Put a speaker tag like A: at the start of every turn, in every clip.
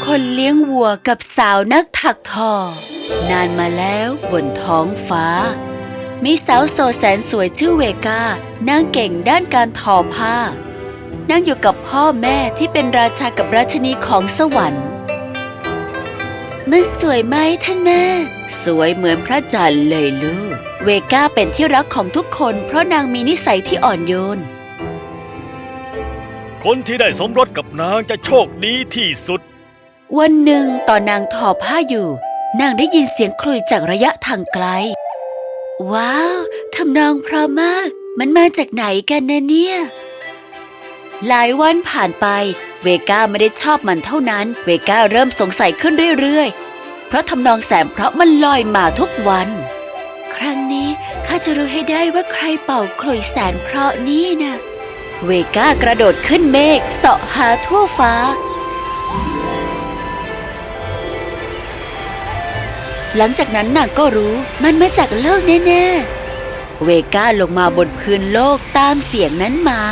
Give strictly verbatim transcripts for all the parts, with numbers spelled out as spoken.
A: คนเลี้ยงวัวกับสาวนักถักทอ นานมาแล้วบนท้องฟ้า มีสาวโสดแสนสวยชื่อเวกานางเก่งด้านการทอผ้านางอยู่กับพ่อแม่ที่เป็นราชากับราชินีของสวรรค์มันสวยไหมท่านแม่สวยเหมือนพระจันทร์เลยลูกเวกาเป็นที่รักของทุกคนเพราะนางมีนิสัยที่อ่อนโยน
B: คนที่ได้สมรสกับนางจะโชคดีที่สุด
A: วันหนึ่งตอนนางทอผ้าอยู่นางได้ยินเสียงคลุยจากระยะทางไกลว้าวทำนองเพราะมากมันมาจากไหนกันนะเนี่ยหลายวันผ่านไปเวก้าไม่ได้ชอบมันเท่านั้นเวก้าเริ่มสงสัยขึ้นเรื่อยๆเพราะทำนองแสนเพราะมันลอยมาทุกวันครั้งนี้ข้าจะรู้ให้ได้ว่าใครเป่าขลุ่ยแสนเพราะนี่นะเวก้ากระโดดขึ้นเมฆเสาะหาทั่วฟ้าหลังจากนั้นนางก็รู้มันมาจากโลกแน่ๆเวก้าลงมาบนพื้นโลกตามเสียงนั้นมา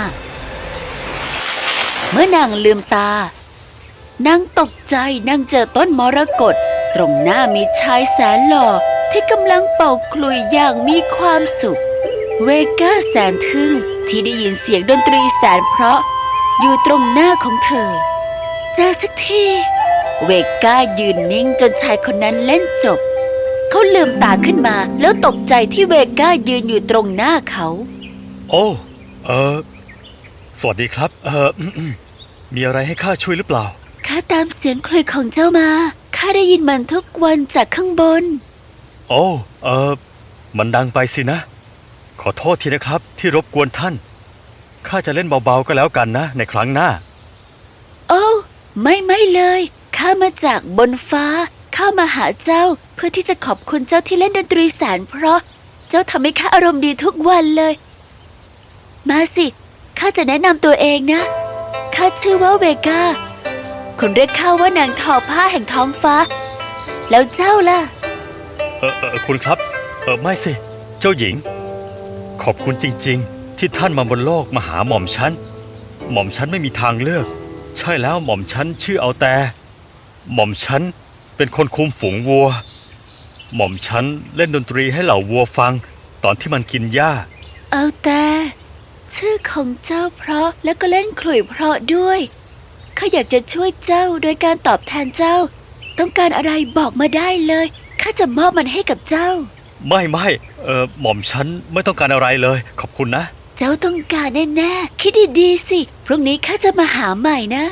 A: เมื่อนางลืมตานางตกใจนางเจอต้นมรกตตรงหน้ามีชายแสนหล่อที่กำลังเป่าขลุ่ยอย่างมีความสุขเวก้าแสนทึ่งที่ได้ยินเสียงดนตรีแสนเพราะอยู่ตรงหน้าของเธอเจอสักทีเวก้ายืนนิ่งจนชายคนนั้นเล่นจบเขาลืมตาขึ้นมาแล้วตกใจที่เวก้ายืนอยู่ตรงหน้าเขา
B: โอ้เออสวัสดีครับเออมีอะไรให้ข้าช่วยหรือเปล่า
A: ข้าตามเสียงคลุยของเจ้ามาข้าได้ยินมันทุกวันจากข้างบน
B: โอ้เออมันดังไปสินะขอโทษทีนะครับที่รบกวนท่านข้าจะเล่นเบาๆก็แล้วกันนะในครั้งหน้า
A: โอ้ไม่ไม่เลยข้ามาจากบนฟ้าข้ามาหาเจ้าเพื่อที่จะขอบคุณเจ้าที่เล่นดนตรีแสนเพราะเจ้าทำให้ข้าอารมณ์ดีทุกวันเลยมาสิข้าจะแนะนำตัวเองนะข้าชื่อว่าเวกาคนเรียกข้าว่านางทอผ้าแห่งท้องฟ้าแล้วเจ้าล่ะ
B: เออเออคุณครับเออไม่สิเจ้าหญิงขอบคุณจริงๆที่ท่านมาบนโลกมาหาหม่อมฉันหม่อมฉันไม่มีทางเลือกใช่แล้วหม่อมฉันชื่อเอาแต่หม่อมฉันเป็นคนคุมฝูงวัวหม่อมฉันเล่นดนตรีให้เหล่าวัวฟังตอนที่มันกินหญ้า
A: เอาแต่ชื่อของเจ้าเพราะแล้วก็เล่นขลุ่ยเพราะด้วยข้าอยากจะช่วยเจ้าโดยการตอบแทนเจ้าต้องการอะไรบอกมาได้เลยข้าจะมอบมันให้กับเจ้า
B: ไม่ไม่เออหม่อมฉันไม่ต้องการอะไรเลยขอบคุณนะ
A: เจ้าต้องการแน่ๆคิดดีๆสิพรุ่งนี้ข้าจะมาหาใหม่นะ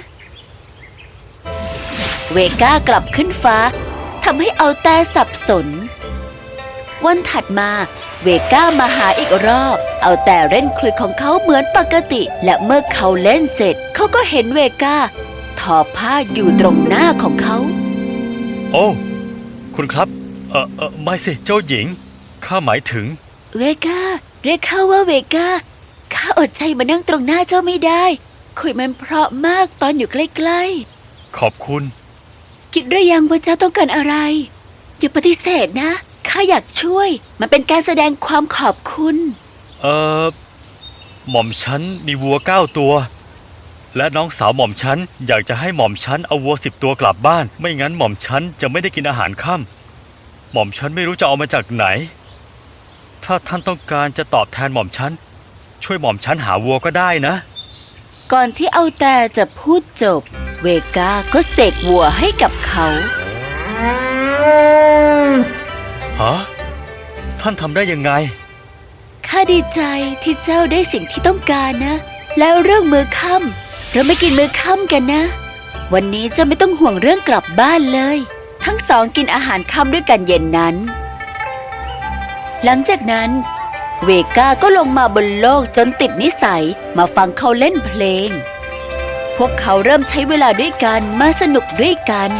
A: เวก้ากลับขึ้นฟ้าทำให้เอาแต่สับสนวันถัดมาเวก้ามาหาอีกรอบเอาแต่เล่นคลุยของเขาเหมือนปกติและเมื่อเขาเล่นเสร็จเขาก็เห็นเวก้าทอผ้าอยู่ตรงหน้าของเขา
B: โอ้คุณครับเออเออไม่สิเจ้าหญิงข้าหมายถึง
A: เวก้าเรียกข้าว่าเวก้าข้าอดใจมานั่งตรงหน้าเจ้าไม่ได้คุยมันเพราะมากตอนอยู่ใกล้
B: ๆขอบคุณ
A: คิดหรือยังว่าเจ้าต้องการอะไรอย่าปฏิเสธนะข้าอยากช่วยมันเป็นการแสดงความขอบคุณ
B: เออหม่อมฉันมีวัวเก้าตัวและน้องสาวหม่อมฉันอยากจะให้หม่อมฉันเอาวัวสิบตัวกลับบ้านไม่งั้นหม่อมฉันจะไม่ได้กินอาหารค่ำหม่อมฉันไม่รู้จะเอามาจากไหนถ้าท่านต้องการจะตอบแทนหม่อมฉันช่วยหม่อมฉันหาวัวก็ได้นะ
A: ก่อนที่เอาแต่จะพูดจบเวก้าก็เสกวัวให้กับเขา
B: ฮะท่านทำได้ยังไง
A: ข้าดีใจที่เจ้าได้สิ่งที่ต้องการนะแล้วเรื่องมื้อค่ำเราไม่กินมื้อค่ำกันนะวันนี้เจ้าไม่ต้องห่วงเรื่องกลับบ้านเลยทั้งสองกินอาหารค่ำด้วยกันเย็นนั้นหลังจากนั้นเวก้าก็ลงมาบนโลกจนติดนิสัยมาฟังเขาเล่นเพลงพวกเขาเริ่มใช้เวลาด้วยกันมาสนุกด้วยกัน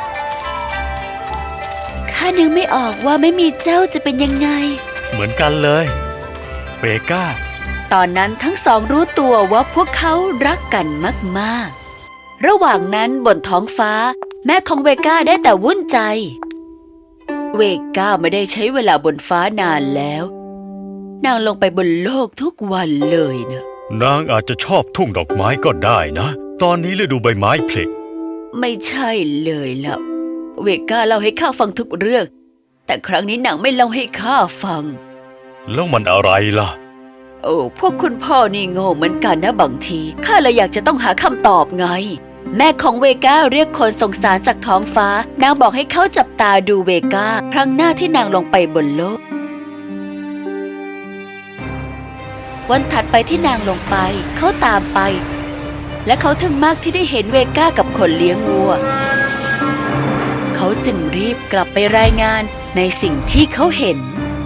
A: ข้านึกไม่ออกว่าไม่มีเจ้าจะเป็นยังไง
B: เหมือนกันเลยเวก้า
A: ตอนนั้นทั้งสองรู้ตัวว่าพวกเขารักกันมากๆระหว่างนั้นบนท้องฟ้าแม่ของเวก้าได้แต่วุ่นใจเวก้าไม่ได้ใช้เวลาบนฟ้านานแล้วนางลงไปบนโลกทุกวันเลยนะ
B: นางอาจจะชอบทุ่งดอกไม้ก็ได้นะตอนนี้ฤดูใบไม้ผลิ
A: ไม่ใช่เลยล่ะเวก้าเล่าให้ข้าฟังทุกเรื่องแต่ครั้งนี้นางไม่เล่าให้ข้าฟัง
B: แล้วมันอะไรล่ะ
A: โอ้พวกคุณพ่อนี่โง่เหมือนกันนะบางทีข้าเลยอยากจะต้องหาคำตอบไงแม่ของเวก้าเรียกคนส่งสารจากท้องฟ้านางบอกให้เขาจับตาดูเวก้าครั้งหน้าที่นางลงไปบนโลกวันถัดไปที่นางลงไปเขาตามไปและเขาทึ่งมากที่ได้เห็นเวก้ากับคนเลี้ยงวัวเขาจึงรีบกลับไปรายงานในสิ่งที่เขาเห็น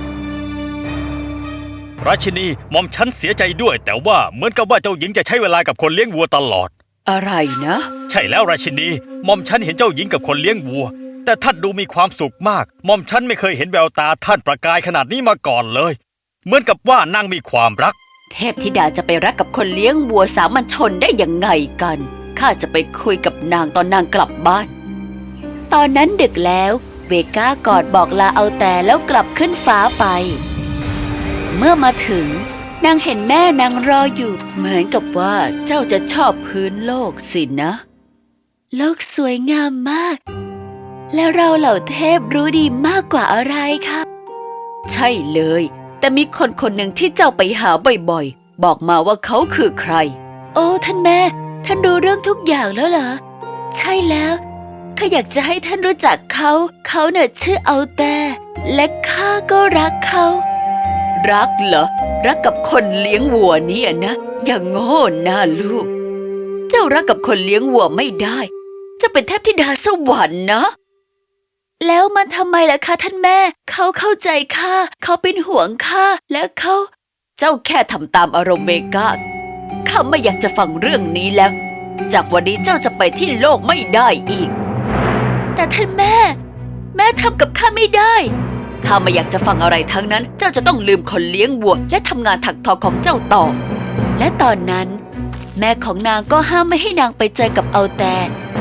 B: ราชินีหม่อมฉันเสียใจด้วยแต่ว่าเหมือนกับว่าเจ้าหญิงจะใช้เวลากับคนเลี้ยงวัวตลอด
A: อะไรนะ
B: ใช่แล้วราชินีหม่อมฉันเห็นเจ้าหญิงกับคนเลี้ยงวัวแต่ท่านดูมีความสุขมากหม่อมฉันไม่เคยเห็นแววตาท่านประกายขนาดนี้มาก่อนเลยเหมือนกับว่านางมีความรัก
A: เทพธิดาจะไปรักกับคนเลี้ยงวัวสามัญชนได้ยังไงกันข้าจะไปคุยกับนางตอนนางกลับบ้านตอนนั้นดึกแล้วเวก้ากอดบอกลาเอาแต่แล้วกลับขึ้นฟ้าไปเมื่อมาถึงนางเห็นแม่นางรออยู่เหมือนกับว่าเจ้าจะชอบพื้นโลกสินะโลกสวยงามมากและเราเหล่าเทพรู้ดีมากกว่าอะไรคะใช่เลยแต่มีคนคนหนึ่งที่เจ้าไปหาบ่อยๆบอกมาว่าเขาคือใครโอ้ท่านแม่ท่านรู้เรื่องทุกอย่างแล้วเหรอใช่แล้วข้าอยากจะให้ท่านรู้จักเขาเขาเน่ะชื่อเอาแต่และข้าก็รักเขารักเหรอรักกับคนเลี้ยงวัวนี่นะอย่างโง่นะลูกเจ้ารักกับคนเลี้ยงวัวไม่ได้จะเป็นเทพธิดาสวรรค์นะแล้วมันทำไมล่ะคะท่านแม่เขาเข้าใจข้าเขาเป็นห่วงข้าและเขาเจ้าแค่ทำตามอารมณ์เวก้าข้าไม่อยากจะฟังเรื่องนี้แล้วจากวันนี้เจ้าจะไปที่โลกไม่ได้อีกแต่ท่านแม่แม่ทำกับข้าไม่ได้ข้าไม่อยากจะฟังอะไรทั้งนั้นเจ้าจะต้องลืมคนเลี้ยงวัวและทำงานถักทอของเจ้าต่อและตอนนั้นแม่ของนางก็ห้ามไม่ให้นางไปเจอกับเอาแต่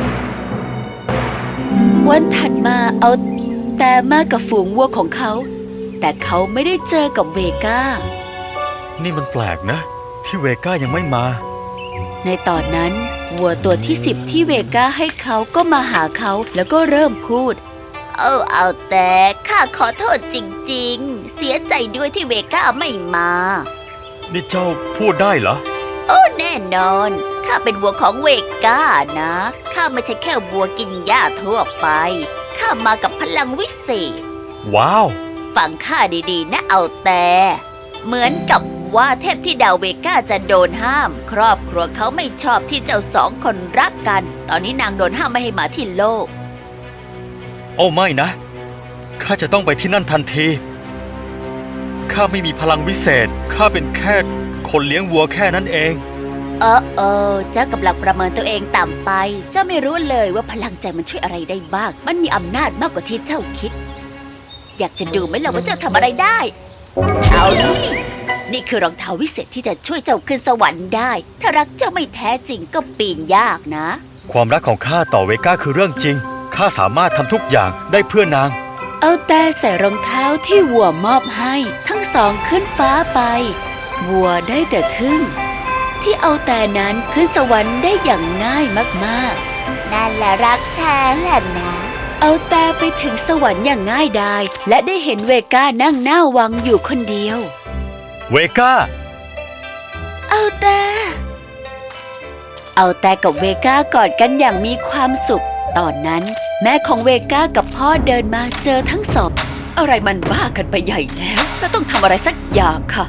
A: วันถัดมาเอาแต่มากับฝูงวัวของเขาแต่เขาไม่ได้เจอกับเวก้า
B: นี่มันแปลกนะที่เวก้ายังไม่มา
A: ในตอนนั้นวัวตัวที่สิบที่เวก้าให้เขาก็มาหาเขาแล้วก็เริ่มพูดเออเอาแต่ข้าขอโทษจริงๆเสียใจด้วยที่เวก้าไม่มา
B: นี่เจ้าพูดได้เหรอ
A: โอ้แน่นอนข้าเป็นวัวของเวก้านะข้าไม่ใช่แค่วัวกินหญ้าทั่วไปข้ามากับพลังวิเศษ
B: ว้าว
A: ฟังข้าดีๆนะเอาแต่เหมือนกับว่าเทพธิดาเวก้าจะโดนห้ามครอบครัวเขาไม่ชอบที่เจ้าสองคนรักกันตอนนี้นางโดนห้ามไม่ให้มาที่โลก
B: โอ้ไม่นะข้าจะต้องไปที่นั่นทันทีข้าไม่มีพลังวิเศษข้าเป็นแค่คนเลี้ยงวัวแค่นั้นเอง
A: เออเออเจ้ากำลังประเมินตัวเองต่ำไปเจ้าไม่รู้เลยว่าพลังใจมันช่วยอะไรได้บ้างมันมีอำนาจมากกว่าที่เจ้าคิดอยากจะดูไหมล่ะว่าเจ้าทำอะไรได้เอานี่นี่คือรองเท้าวิเศษที่จะช่วยเจ้าขึ้นสวรรค์ได้ถ้ารักเจ้าไม่แท้จริงก็ปีนยากนะ
B: ความรักของข้าต่อเวก้าคือเรื่องจริงข้าสามารถทำทุกอย่างได้เพื่อนาง
A: เอาแต่ใส่รองเท้าที่วัวมอบให้ทั้งสองขึ้นฟ้าไปวัวได้แต่ทึ่งที่เอาแต่นั้นขึ้นสวรรค์ได้อย่างง่ายมากๆนั่นแหละรักแท้แหละนะเอาแต่ไปถึงสวรรค์อย่างง่ายดายและได้เห็นเวก้านั่งหน้าวังอยู่คนเดียว
B: เวก้า
A: เอาแต่เอาแต่กับเวก้ากอดกันอย่างมีความสุขตอนนั้นแม่ของเวก้ากับพ่อเดินมาเจอทั้งสองอะไรมันบ้ากันไปใหญ่แล้วเราต้องทำอะไรสักอย่างค่ะ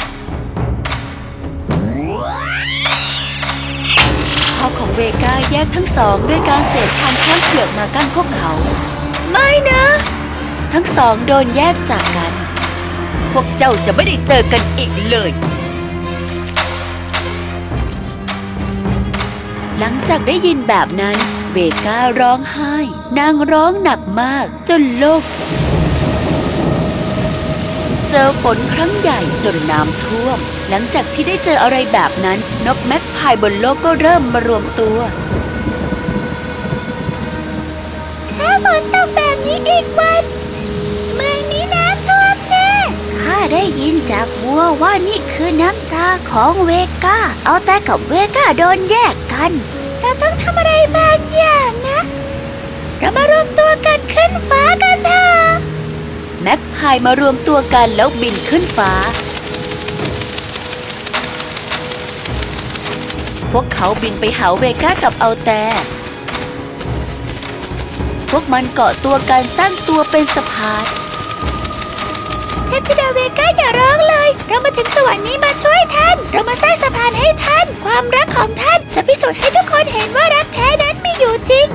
A: พ่อของเวก้าแยกทั้งสองด้วยการเสกทางช้างเผือกมากั้นพวกเขาไม่นะทั้งสองโดนแยกจากกันพวกเจ้าจะไม่ได้เจอกันอีกเลยหลังจากได้ยินแบบนั้นเวก้าร้องไห้นางร้องหนักมากจนโลกเจอฝนครั้งใหญ่จนน้ำท่วมหลังจากที่ได้เจออะไรแบบนั้นนกแม็กพายบนโลกก็เริ่มมารวมตัวถ้าฝนตกแบบนี้อีกวันเมืองนี้น้ำท่วมแน่ข้าได้ยินจากวัวว่านี่คือน้ำตาของเวก้าเอาแต่กับเวก้าโดนแยกกันเราต้องทำอะไรบางอย่างนะเรามารวมตัวกันขึ้นฟ้ากันเถอะแม็กพายมารวมตัวกันแล้วบินขึ้นฟ้าพวกเขาบินไปหาเวก้ากับเอาแต่พวกมันเกาะตัวกันสร้างตัวเป็นสะพานเทพธิดาเวก้าอย่าร้องเลยเรามาถึงสวรรค์นี้มาช่วยท่านเรามาสร้างสะพานให้ท่านความรักของท่านจะพิสูจน์ให้ทุกคนเห็นว่ารักแท้นั้นมีอยู่จริง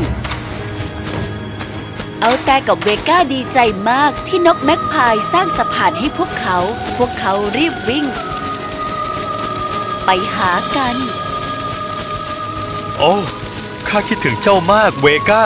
A: เอาแต่กับเวก้าดีใจมากที่นกแม็กพายสร้างสะพานให้พวกเขาพวกเขารีบวิ่งไปหากัน
B: โอ้ข้าคิดถึงเจ้ามากเวก้า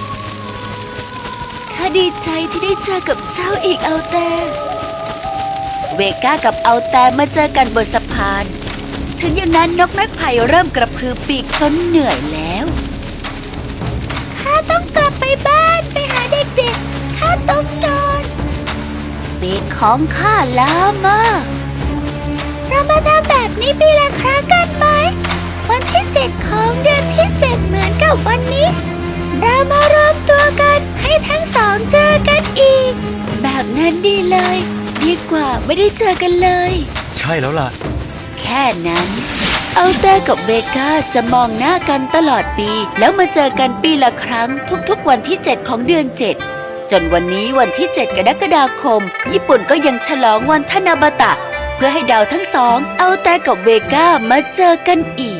A: ข้าดีใจที่ได้เจอกับเจ้าอีกเอาแต่เวก้ากับเอาแต่มาเจอกันบนสะพานถึงอย่างนั้นนกแม็กไพเริ่มกระพือปีกจนเหนื่อยแล้วข้าต้องกลับไปบ้านไปหาเด็กๆข้าต้องนอนปีกของข้าล้ามากเรามาทำแบบนี้ปีละครั้งกันไหมวันที่เจ็ดของเดือนที่เจ็ดเหมือนกับวันนี้เรามารวมตัวกันให้ทั้งสองเจอกันอีกแบบนั้นดีเลยดีกว่าไม่ได้เจอกันเลย
B: ใช่แล้วล่ะ
A: แค่นั้นเอาแต่กับเวก้าจะมองหน้ากันตลอดปีแล้วมาเจอกันปีละครั้งทุกๆวันที่เจ็ดของเดือนเจ็ดจนวันนี้วันที่เจ็ดกรกฎาคมญี่ปุ่นก็ยังฉลองวันทานาบาตะเพื่อให้ดาวทั้งสองเอาแต่กับเวก้ามาเจอกันอีก